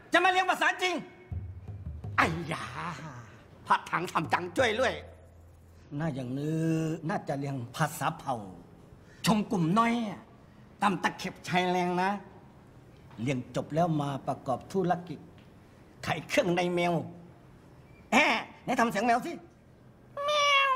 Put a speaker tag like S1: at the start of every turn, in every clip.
S1: จะมาเรียนภาษาจริงไอ้ยาพระถังทำจังจ้วยด้วยน่าอย่างนี้น่าจะเรียนภาษาเผ่าชมกลุ่มน้อยตามตะเข็บชายแรงนะเรียนจบแล้วมาประกอบธุรกิจไข่เครื่องในแมวไหนทำเสียงแมวสิแมว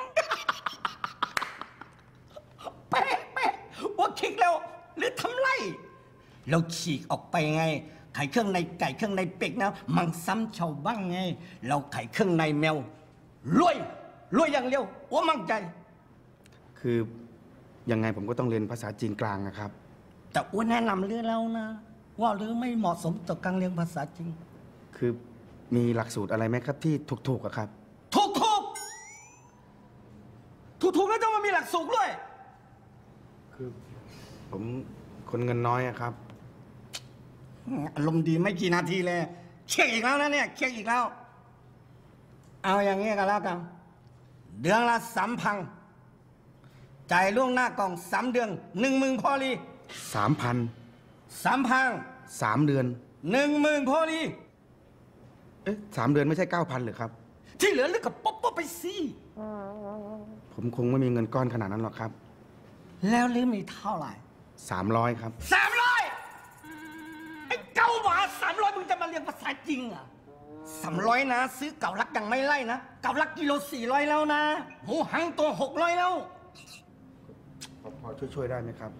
S1: เป๊ะว่าคิกแล้วหรือทำไรเราฉีกออกไปไงไข่เครื่องในไก่เครื่องในเป็ดนะมังซ้ำชาวบ้างไงเราไข่เครื่องในแมวรวยอย่างเร็วว่ามั่งใจ
S2: คือยังไงผมก็ต้องเรียนภาษาจีนกลางนะครับ
S1: แต่อ้วนแนะนำเรื่องแล้วนะว่าหรือไม่เหมาะสมต่อการเรียนภาษาจีน
S2: คือมีหลักสูตรอะไรไหมครับที่ถูกๆอะครับ
S1: ถูกแล้วจะมามีหลักสูตรด้วย
S2: คือผมคนเงินน้อยอะครับ
S1: อารมณ์ดีไม่กี่นาทีเลยเช็คอีกแล้วนะเนี่ยเช็คอีกแล้วเอาอย่างนี้กันแล้วกันเดือนละ3,000จ่ายล่วงหน้ากล่อง3 เดือน10,000พอลี
S2: 3 เดือน
S1: 10,000พอลี
S2: 3 เดือนไม่ใช่ 9,000หรือครับ
S1: ที่เหลือเลือกกับป๊อปไปสิ
S2: ผมคงไม่มีเงินก้อนขนาดนั้นหรอกครับ
S1: แล้วลืมมีเท่าไหร่
S2: 300ครับ
S1: 300ไอ้เก้าบาท300มึงจะมาเรียนภาษาจริงอ่ะ300นะซื้อเก่าลักยังไม่ไล่นะเก่าลักกิโล400แล้วนะหมูหังตัว600แล้ว
S2: พอช่วยได้ไหมครับ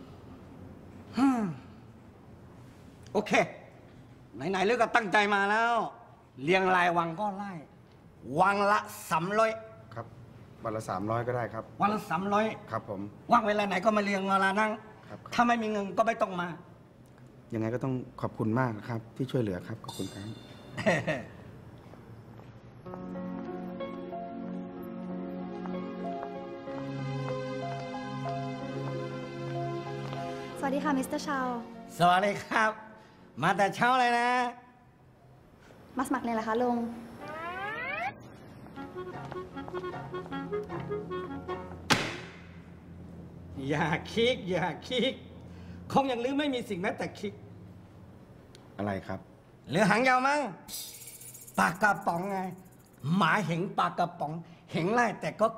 S1: โอเคไหนๆเลือกก็ตั้งใจมาแล้วเรียงรายวังก็ไล่วังละ300
S2: ครับวันละ300ก็ได้ครับ
S1: วันละ300
S2: ครับผม
S1: ว่างเวลาไหนก็มาเรียงเวลานั่งถ้าไม่มีเงินก็ไม่ต้องมา
S2: ยังไงก็ต้องขอบคุณมากนะครับที่ช่วยเหลือครับขอบคุณครับ
S3: สวัสดีค่ะมิสเตอร์ชาว
S1: สวัสดีครับมาแต่เช้าเลยนะ
S3: มาสมัครเลยเหรอคะลุง
S1: อย่าคิกคงยังลืมไม่มีสิ่งแม้แต่คิก
S2: อะไรครับ
S1: หรือหางยาวมั้งปากกระป๋องไงหมาเห็นปากกระป๋องเห็นไล่แต่ก็